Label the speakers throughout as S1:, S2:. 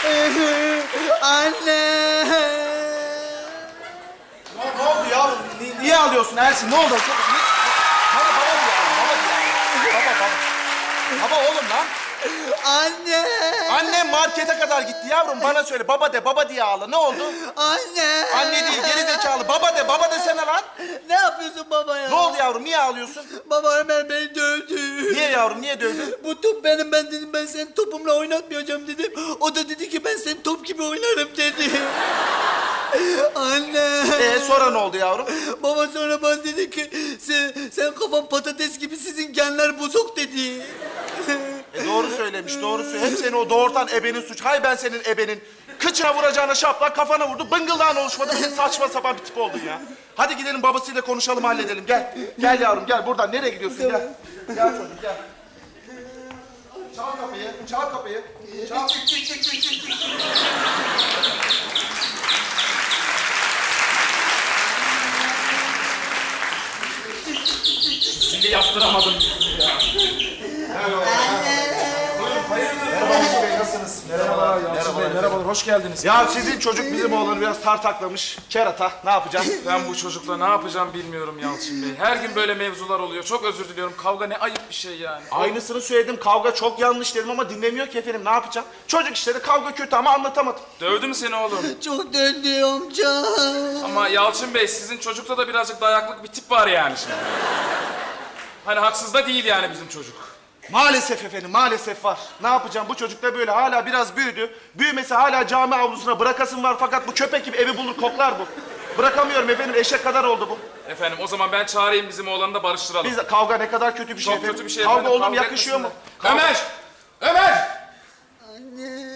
S1: Anne.
S2: Ne oldu yavrum? Niye ağlıyorsun Ersin? Ne oldu? Baba diyor. Baba oğlum lan.
S1: Anne.
S2: Annem markete kadar gitti yavrum. Bana söyle. Baba de. Baba diye ağla. Ne oldu?
S1: Anne.
S2: Anne değil. Geri zekalı. Baba de. Baba desene lan.
S1: Ne yapıyorsun baba ya?
S2: Ne oldu yavrum? Niye ağlıyorsun?
S1: Baba hemen beni dövdü.
S2: Niye yavrum? Niye dövdün?
S1: Bu top benim, ben dedim ben seni topumla oynatmayacağım dedim. O da dedi ki ben seni top gibi oynarım dedi. Anne.
S2: Sonra ne oldu yavrum?
S1: Baba sonra bana dedi ki sen kafan patates gibi, sizin genler bozuk dedi.
S2: Doğru söylemiş. Doğru söyle. Hep seni o doğurtan ebenin suç. Hay ben senin ebenin. Kıçına vuracağına şaplak kafana vurdu. Bıngıldağın oluşmadı. Sen saçma sapan bir tip oldun ya. Hadi gidelim babasıyla konuşalım, halledelim. Gel. Gel yavrum gel. Buradan nereye gidiyorsun? Gel. Gel çocuk gel. Çal kapıyı. Çal kapıyı. Çal.
S3: Şimdi yaptıramadım.
S2: Merhaba Hacı Bey, nasılsınız?
S3: Merhabalar Yalçın Bey, merhabalar, hoş geldiniz.
S2: Ya sizin çocuk bizim oğlanı biraz tartaklamış. Kerata. Ne yapacağız?
S3: Ben bu çocukla ne yapacağım bilmiyorum Yalçın Bey. Her gün böyle mevzular oluyor. Çok özür diliyorum. Kavga ne ayıp bir şey yani.
S2: Aynısını söyledim. Kavga çok yanlış dedim ama dinlemiyor ki efendim. Ne yapacağım? Çocuk işleri, kavga kötü ama anlatamadım.
S3: Dövdü mü seni oğlum?
S1: Çok döndü amca.
S3: Ama Yalçın Bey, sizin çocukta da birazcık dayaklık bir tip var yani şimdi. Hani haksız da değil yani bizim çocuk.
S2: Maalesef efendim, maalesef var. Ne yapacağım? Bu çocuk da böyle hala biraz büyüdü. Büyümesi hala cami avlusuna bırakasın var fakat bu köpek gibi evi bulur koklar bu. Bırakamıyorum efendim, eşek kadar oldu bu.
S3: Efendim o zaman ben çağırayım bizim oğlanı da barıştıralım.
S2: Biz kavga ne kadar kötü bir şey
S3: Çok
S2: efendim.
S3: kötü bir şey
S2: Kavga
S3: efendim.
S2: oğlum
S3: Kavga
S2: yakışıyor mu?
S3: etmesinler. Ömer! Ömer!
S1: Anne.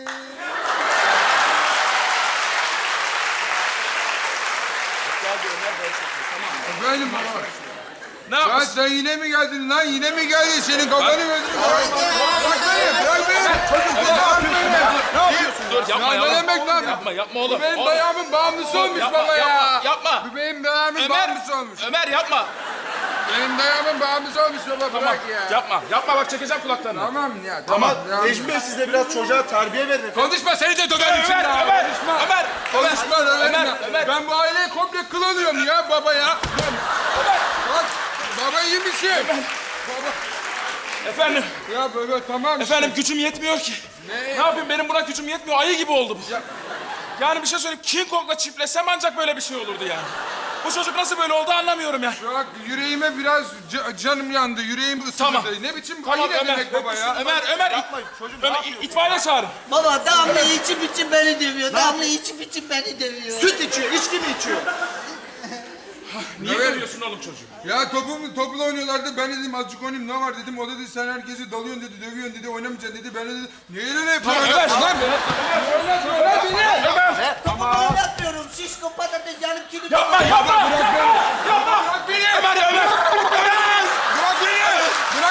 S4: Efendim baba.
S3: Ne
S4: Ya
S3: yapıyorsun?
S4: sen yine mi geldin lan? Yine mi geldin? Senin kafanı gözünü bırak beni, bırak beni. Çocuk bırak beni.
S2: Ne yapıyorsun?
S3: Dur yapma
S4: Ya
S3: yavrum.
S4: ne demek lan?
S3: Yapma oğlum.
S4: Bu benim
S3: Oğlum.
S4: dayağımın bağımlısı olmuş
S3: Yapma,
S4: baba ya.
S3: yapma, yapma.
S4: Bu benim dayağımın bağımlısı olmuş.
S3: Ömer yapma.
S4: Benim dayağımın bağımlısı olmuş baba,
S3: Tamam,
S4: bırak ya.
S3: yapma bak çekeceğim kulaklarını.
S4: Tamam ya,
S2: Ama
S4: tamam. ya.
S2: Necmi Bey siz de biraz çocuğa terbiye verin efendim.
S4: Konuşma, seni de döverim şimdi. ha.
S3: Ömer!
S4: Konuşma, döverim
S3: Ömer,
S4: ya.
S3: Ömer.
S4: Ben bu aileyi komple kıl alıyorum ya baba ya. Bak, baba iyi misin?
S3: Efendim,
S4: Ya baba tamam işte.
S3: efendim gücüm yetmiyor ki. Ne yapayım, benim buna gücüm yetmiyor, ayı gibi oldu bu. Yani bir şey söyleyeyim, King Kong'la çiftleşsem ancak böyle bir şey olurdu yani. Bu çocuk nasıl böyle oldu anlamıyorum ya.
S4: Bak yüreğime biraz canım yandı. Yüreğim ısındı.
S3: Tamam.
S4: Ne biçim
S3: Tamam
S4: ayı ne
S3: Ömer,
S4: demek baba ya?
S3: Ömer,
S2: Yapmayın çocuğum, ne
S3: Ömer
S2: yapıyorsun?
S3: itfaiye çağırın.
S1: Baba Damla içip içip beni dövüyor. Damla içip içip beni dövüyor.
S2: Süt içiyor, içki mi içiyor?
S3: Niye
S4: Evet.
S3: dövüyorsun oğlum çocuğu?
S4: Ya topla oynuyorlardı. Ben dedim azıcık oynayayım, ne var dedim. O dedi sen herkesi dalıyorsun dedi, dövüyorsun dedi, oynamayacaksın dedi. Ben de dedim niye öyle yapıyorsun?
S3: Ömer,
S4: Lan oynatma lan beni.
S1: Topumu oynatmıyorum. Şişko patates yanıp kilip.
S3: Yapma!
S4: Bırak beni.
S3: Ömer!
S4: Bırak beni. Bırak beni. Bırak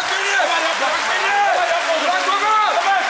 S4: baba.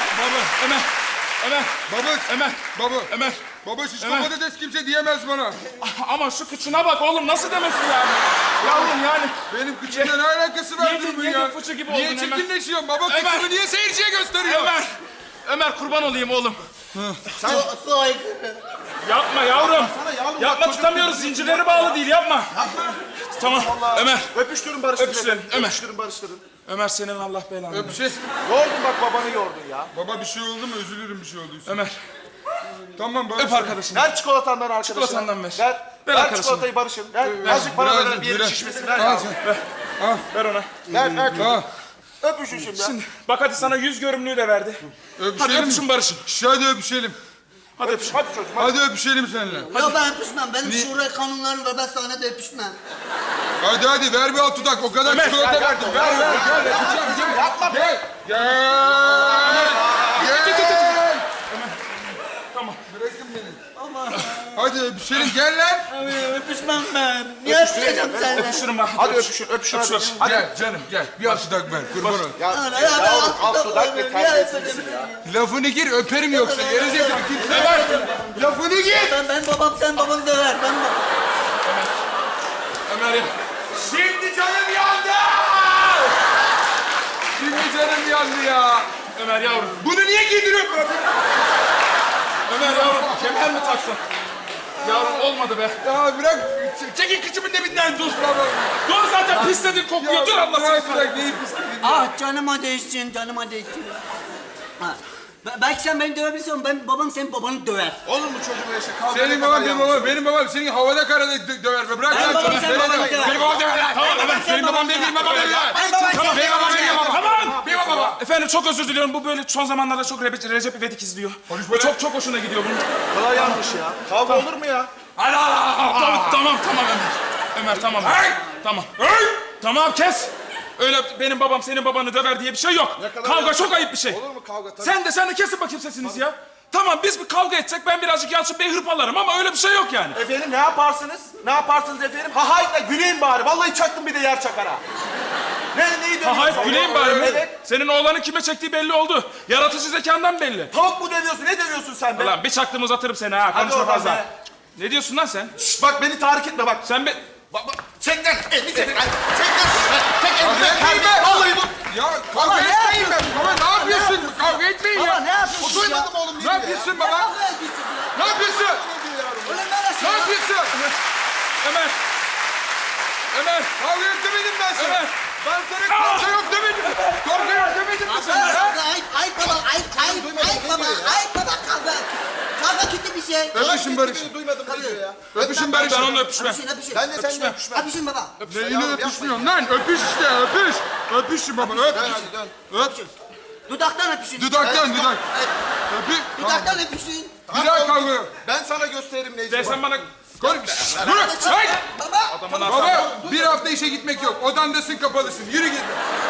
S3: Ömer!
S4: Baba şişko
S3: Ömer.
S4: patates kimse diyemez bana.
S3: Ama şu kıçına bak oğlum, nasıl demesin yani? Yavrum yani.
S4: Benim kıçımla ne alakası var
S3: Yedin,
S4: durumun
S3: yedin,
S4: ya?
S3: fıçı gibi
S4: Niye
S3: oldun Ömer.
S4: çirkinleşiyorsun baba?
S3: Ömer.
S4: Kıçımı niye seyirciye gösteriyor?
S3: Ömer kurban olayım oğlum.
S1: Su aykırı.
S3: Yapma yavrum.
S2: Sana yavrum,
S3: Yapma,
S2: bak çocuk
S3: tutamıyoruz,
S2: bizim
S3: zincirleri bağlı değil, yapma. Tamam,
S2: Allah.
S3: Ömer.
S2: Öpüştürün barıştırın.
S3: Öpüştürelim,
S2: efendim.
S3: Ömer.
S2: Öpüştürün barıştırın.
S3: Ömer senin Allah belanı.
S4: Öpüşe.
S2: Yordun bak babanı yordun ya.
S4: Baba bir şey oldu mu? Üzülürüm bir şey olduysa.
S3: Ömer,
S4: Tamam baba.
S3: öp arkadaşını.
S2: Ver çikolatandan arkadaşına.
S3: Çikolatandan ver.
S2: Ver.
S3: Ver
S2: Ver
S3: arkadaşına.
S2: çikolatayı barışın. Ver. Azıcık para ver bir yerin şişmesin. Ver
S4: Al
S2: yavrum.
S4: sen.
S3: Ver ona.
S2: Ver.
S4: Al.
S2: Öpüşün şimdi.
S3: Şimdi bak hadi sana 100 görümlüğü de verdi. Hadi
S4: Öpüşelim
S3: öpüşün
S4: mi?
S3: barışın.
S4: Hadi öpüşelim.
S3: Hadi öpüşün.
S2: Hadi çocuğum. Hadi.
S4: Hadi öpüşelim seninle.
S1: Ya ben öpüşmem. Benim
S4: Ni-
S1: şura kanunlarım var. Ben sahnede öpüşmem.
S4: Hadi ver bir alt dudak. O kadar
S3: Ömer,
S4: çikolata
S2: gel,
S4: verdim.
S2: gel,
S4: Ver
S2: gel,
S4: gel. Öpeceğim gel.
S2: Yapma be.
S4: Gel. Gel.
S3: Tamam.
S4: Bırakın beni. Hadi öpüşelim gel lan.
S1: Abi öpüşmem ben. Niye öpüşeceğim seninle?
S3: Öpüşürüm ben.
S2: Hadi öpüşün. Öpüşün hadi.
S3: Öpüşürüz.
S4: Gel canım gel. Bir alt dudak ver. Kurban ol.
S2: Ya,
S1: Ana,
S2: yavrum alt
S1: alt
S2: dudak
S1: dudak
S2: ve
S1: ver, niye
S2: terbiyesiz
S1: öpeceğim
S2: ya.
S4: Lafını gir öperim yoksa. Gerizekalı kimse. Lafını gir.
S1: Ben babam, sen babanı döver. Ben babam.
S3: Ömer ya.
S4: Şimdi canım yandı. Şimdi canım yandı ya.
S3: Ömer yavrum.
S4: Bunu niye giydiriyorsun?
S3: Ömer yavrum kemer mi taksın? Yavrum olmadı be.
S4: Ya bırak. Çekil kıçımın dibinden dur baba.
S3: Dur zaten pisledin kokuyor. Dur Allah seni.
S4: Bırak neyi pisledin ya.
S1: Ah canıma değsin, canıma değsin. Ha. Belki sen beni dövebilirsin, babam senin babanı döver.
S2: Olur mu çocuğum öyle şey? Kavga
S4: Senin
S2: ne kadar
S4: baban benim
S2: yanlış.
S4: babam. Benim babam senin havada karada döver be. Bırak
S1: Ben
S4: lan.
S1: babam
S4: Bırak,
S1: senin
S4: bırak,
S1: babanı
S4: bırak.
S1: döver.
S4: Benim babam döver lan. Tamam evet. Benim babam değil. Benim babam değil.
S1: Ben babam
S4: Tamam.
S1: senin
S4: Benim babam değil.
S3: Tamam.
S4: Benim babam.
S3: Efendim çok özür diliyorum. Bu böyle son zamanlarda çok Recep İvedik izliyor.
S4: Konuş
S3: Bu
S4: böyle.
S3: çok hoşuna gidiyor bunun.
S2: Bu kadar yanlış ya. Kavga olur mu ya?
S3: Tamam Ömer. Ömer tamam.
S4: Hey!
S3: Tamam. Tamam kes. Öyle benim babam senin babanı döver diye bir şey yok.
S2: Ne kadar
S3: Kavga
S2: yanlış.
S3: çok ayıp bir şey.
S2: Olur mu kavga? Tabii.
S3: Sen de kesin bakayım sesinizi ya. Tamam biz bir kavga etsek ben birazcık Yalçın Bey'i hırpalarım ama öyle bir şey yok yani.
S2: Efendim ne yaparsınız? Ne yaparsınız efendim? Ha hayda güleyim bari. Vallahi çaktım bir de yer çakara. Neyi dövüyorsun?
S3: Hayır güleyim bari mi?
S2: Evet.
S3: Senin oğlanın kime çektiği belli oldu. Yaratıcı zekandan belli.
S2: Tavuk mu dövüyorsun? Ne dövüyorsun sen be?
S3: Ulan bir çaktım uzatırım seni ha.
S2: Hadi
S3: Konuşma
S2: oradan
S3: fazla.
S2: be.
S3: Ne diyorsun lan sen?
S2: Şşt, bak beni tahrik etme bak.
S3: Sen be...
S2: Bak. Çek lan. Elini çek. Çek lan. Çek elini.
S4: Kavga etmeyin be.
S2: Vallahi bu.
S4: Ya kavga etmeyin be. Baba ne yapıyorsun? Kavga etmeyin
S1: Baba
S4: ya.
S1: ne yapıyorsun ya?
S2: Duymadım oğlum
S4: Ne
S2: değil mi ya?
S4: yapıyorsun
S1: Ne
S4: baba?
S1: kavga ediyorsun ya?
S4: Ne yapıyorsun?
S1: Ulan neresi
S4: Ne
S1: ya?
S4: yapıyorsun?
S3: Ömer. Ömer.
S4: Kavga yok demedim ben sana.
S3: Ömer.
S4: Ben sana kavga yok demedim. Kavga yok demedim mi sana?
S1: Kavga, ayıp baba, ayıp baba, ayıp baba kavga. Kavga kötü bir şey.
S4: Öpüşün Barış.
S2: Duymadım ne diyor ya?
S4: Öpüşün Barış.
S3: Ben onunla öpüşmem.
S1: Öpüşün.
S2: Ben de seninle öpüşmem.
S1: Öpüşün baba.
S4: Neyine öpüşmüyorsun lan? Öpüş işte öpüş. Öpüşün baba öp.
S2: Dön hadi dön.
S4: Öp.
S1: Dudaktan öpüşün.
S4: Dudaktan dudak. Öpü.
S1: Dudaktan öpüşün.
S4: Bir daha kavga yok.
S2: Ben sana gösteririm Necmi.
S3: Sen bana...
S4: Konuş. Dur. Hey!
S1: Baba.
S3: Adamın
S4: Baba bir hafta işe gitmek yok. Odandasın kapalısın. Yürü git.